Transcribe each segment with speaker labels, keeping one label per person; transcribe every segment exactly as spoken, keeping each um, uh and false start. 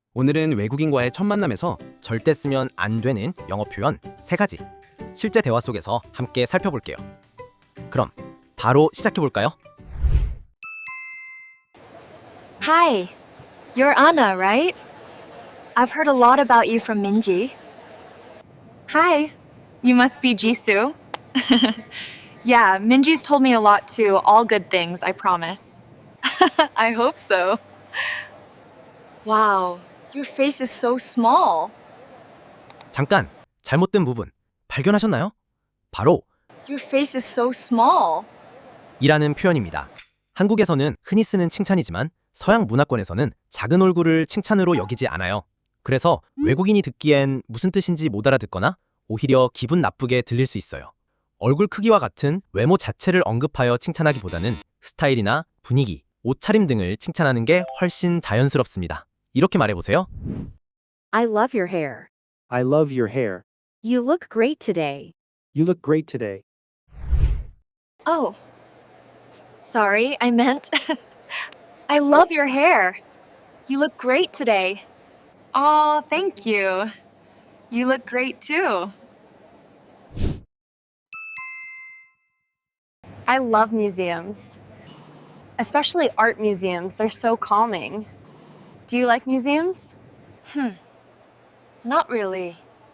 Speaker 1: 오늘은 외국인과의 첫 만남에서 절대 쓰면 안 되는 영어 표현 세 가지 실제 대화 속에서 함께 살펴볼게요. 그럼 바로 시작해 볼까요?
Speaker 2: Hi, you're Anna, right? I've heard a lot about you from Minji. Hi, you must be Jisoo. Yeah, Minji's told me a lot too. All good things, I promise. I hope so. Wow, your face is so small.
Speaker 1: 잠깐, 잘못된 부분 발견하셨나요? 바로
Speaker 2: Your face is so small.
Speaker 1: 이라는 표현입니다. 한국에서는 흔히 쓰는 칭찬이지만 서양 문화권에서는 작은 얼굴을 칭찬으로 여기지 않아요. 그래서 외국인이 듣기엔 무슨 뜻인지 못 알아듣거나 오히려 기분 나쁘게 들릴 수 있어요. 얼굴 크기와 같은 외모 자체를 언급하여 칭찬하기보다는 스타일이나 분위기, 옷차림 등을 칭찬하는 게 훨씬 자연스럽습니다. 이렇게 말해보세요.
Speaker 3: I love your hair.
Speaker 4: I love your hair.
Speaker 3: You look great today.
Speaker 4: You look great today.
Speaker 2: Oh, sorry, I meant I love your hair. You look great today. Aw, thank you. You look great too. I love museums, especially art museums. They're so calming. Do you like museums? Hmm, not really.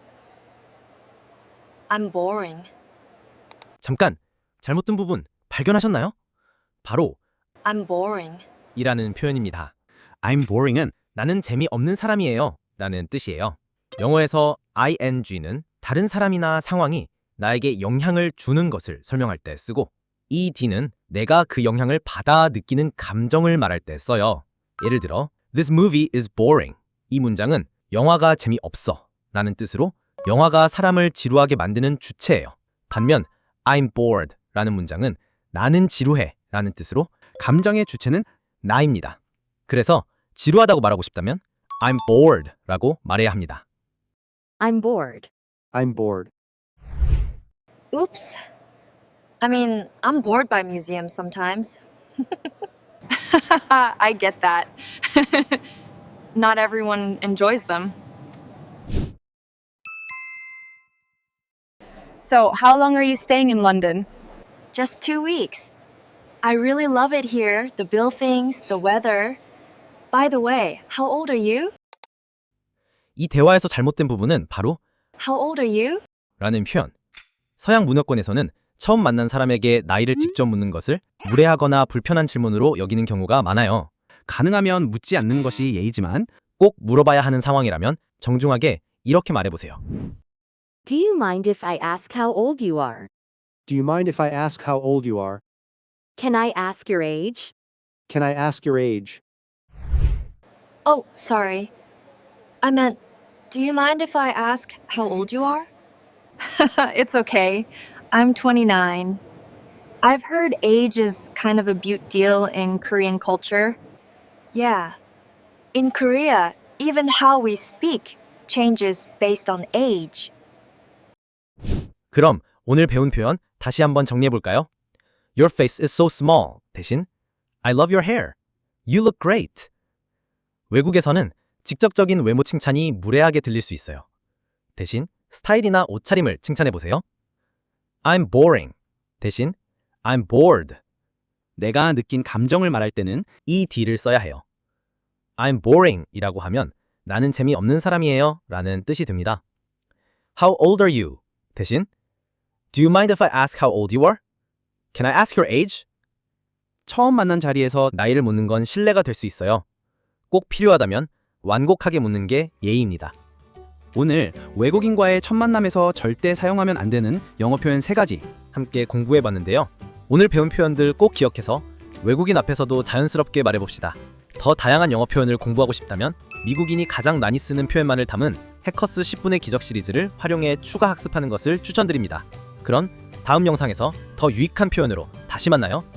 Speaker 2: I'm boring.
Speaker 1: 잠깐, 잘못된 부분 발견하셨나요? 바로
Speaker 2: I'm boring.
Speaker 1: 이라는 표현입니다. I'm boring은 나는 재미없는 사람이에요 라는 뜻이에요. 영어에서 ing는 다른 사람이나 상황이 나에게 영향을 주는 것을 설명할 때 쓰고 ed는 내가 그 영향을 받아 느끼는 감정을 말할 때 써요. 예를 들어 This movie is boring. 이 문장은 영화가 재미없어 라는 뜻으로 영화가 사람을 지루하게 만드는 주체예요. 반면 I'm bored 라는 문장은 나는 지루해 라는 뜻으로 감정의 주체는 나입니다. 그래서 지루하다고 말하고 싶다면 I'm bored 라고 말해야 합니다.
Speaker 3: I'm bored.
Speaker 4: I'm bored.
Speaker 2: Oops. I mean, I'm bored by museums sometimes. I get that. Not everyone enjoys them.
Speaker 5: So, how long are you staying in London?
Speaker 2: Just two weeks. I really love it here, the buildings, the weather. By the way, how old are you?
Speaker 1: 이 대화에서 잘못된 부분은 바로
Speaker 2: How old are you?
Speaker 1: 라는 표현. 서양 문화권에서는 처음 만난 사람에게 나이를 직접 묻는 것을 무례하거나 불편한 질문으로 여기는 경우가 많아요. 가능하면 묻지 않는 것이 예의지만 꼭 물어봐야 하는 상황이라면 정중하게 이렇게 말해보세요.
Speaker 3: Do you mind if I ask how old you are?
Speaker 4: Do you mind if I ask how old you are?
Speaker 3: Can I ask your age?
Speaker 4: Can I ask your age?
Speaker 2: Oh, sorry. I meant, do you mind if I ask how old you are? It's okay. I'm twenty-nine. I've heard age is kind of a big deal in Korean culture. Yeah. In Korea, even how we speak changes based on age.
Speaker 1: 그럼 오늘 배운 표현 다시 한번 정리해볼까요? Your face is so small 대신 I love your hair. You look great. 외국에서는 직접적인 외모 칭찬이 무례하게 들릴 수 있어요. 대신 스타일이나 옷차림을 칭찬해보세요. I'm boring 대신 I'm bored. 내가 느낀 감정을 말할 때는 ed를 써야 해요. I'm boring 이라고 하면 나는 재미없는 사람이에요 라는 뜻이 듭니다. How old are you? 대신 Do you mind if I ask how old you are? Can I ask your age? 처음 만난 자리에서 나이를 묻는 건 신뢰가 될 수 있어요. 꼭 필요하다면 완곡하게 묻는 게 예의입니다. 오늘 외국인과의 첫 만남에서 절대 사용하면 안 되는 영어 표현 세 가지 함께 공부해봤는데요. 오늘 배운 표현들 꼭 기억해서 외국인 앞에서도 자연스럽게 말해봅시다. 더 다양한 영어 표현을 공부하고 싶다면 미국인이 가장 많이 쓰는 표현만을 담은 해커스 십 분의 기적 시리즈를 활용해 추가 학습하는 것을 추천드립니다. 그럼 다음 영상에서 더 유익한 표현으로 다시 만나요.